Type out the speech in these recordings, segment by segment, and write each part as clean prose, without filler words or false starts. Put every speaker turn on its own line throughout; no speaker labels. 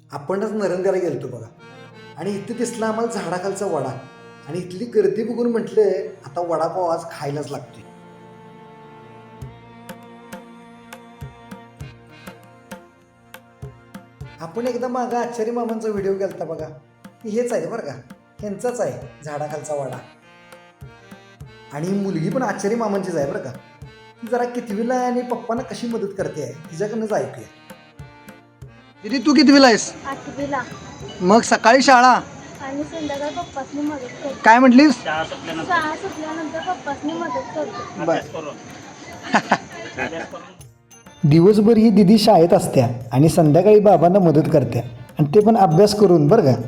आपणच नरंद्याला गेलतो बघा आणि इथे दिसला आम्हाला झाडाखालचा वडा आणि इथली गर्दी बघून म्हटलं आता वडापाव आज खायलाच लागतोय. आपण एकदा मागं आचार्य मामांचा व्हिडिओ केलता बघा, हेच आहे बरं का, ह्यांचाच आहे झाडाखालचा वडा. आणि मुलगी पण आचार्य मामांचीच आहे बरं का. ती जरा कितवीला आहे आणि पप्पांना कशी मदत करते आहे तिच्याकडनंच ऐकूया. दीदी तू कितवीला आहेस?
8वीला.
मग सकाळी शाळा
आणि संध्याकाळी पप्पासनी मदत करतो.
काय म्हटलीस?
शाळा सुटल्यानंतर पप्पासनी मदत करतो.
दिवसभर ही दिदी शाळेत असत्या आणि संध्याकाळी बाबांना मदत करत्या आणि ते पण अभ्यास करून बरं का.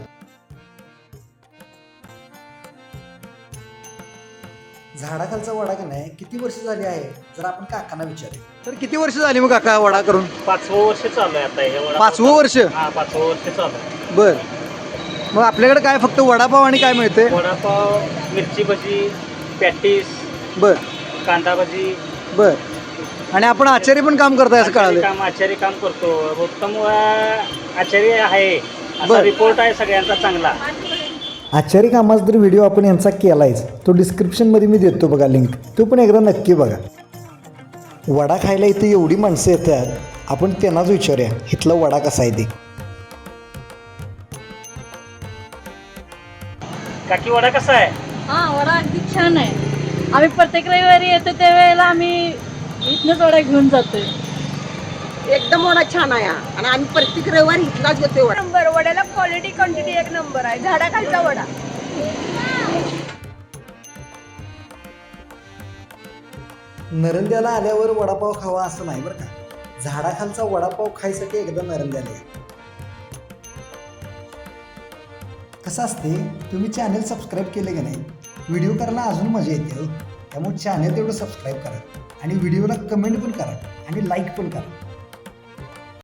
झाडाखालचा वडा का नाही किती वर्ष झाली आहे जर आपण काकांना विचारू तर किती वर्ष झाली मग काका वडा करून?
5वं वर्ष चालू आहे आता हे.
5वं वर्ष?
हा 5वं वर्ष चालू आहे.
बर. मग आपल्याकडे काय फक्त वडापाव आणि काय मिळते?
वडापाव, मिरची भजी, पॅटीस,
बर
कांदा भजी.
बर. आणि आपण आचार्य पण काम करताय असं कळालं?
आचार्य काम करतो. उत्तम आचार्य आहे असा
बर.
रिपोर्ट आहे सगळ्यांचा चांगला.
आचार्य कामाचा तर व्हिडिओ आपण यांचा केलायच, तो डिस्क्रिप्शनमध्ये मी देतो बघा लिंक, तो पण एकदा नक्की बघा. वडा खायला इथे एवढी माणसं येतात, आपण त्यांनाच विचारूया इथला वडा कसा आहे ते.
काकी वडा कसा आहे?
हा, वडा अगदी छान आहे. आम्ही प्रत्येक रविवारी येतो त्यावेळेला आम्ही इथनंच वडा घेऊन जातोय.
एकदम वडा छान आहे आणि आम्ही प्रत्येक रविवारी इथलाच घेतोय वडा.
नंबर वड्याला क्वालिटी क्वांटिटी एक नंबर आहे. झाडाखालचा वडा.
नरंद्याला आल्यावर वडापाव खावा असं नाही बरं का. झाडाखालचा वडापाव खायसाठी एकदा नरंद्याला या. कसं असते, तुम्ही चॅनल सबस्क्राईब केले का नाही, व्हिडिओ करायला अजून मजा येते. त्यामुळे चॅनल तेवढं सबस्क्राईब करा आणि व्हिडिओला कमेंट पण करा आणि लाईक पण करा.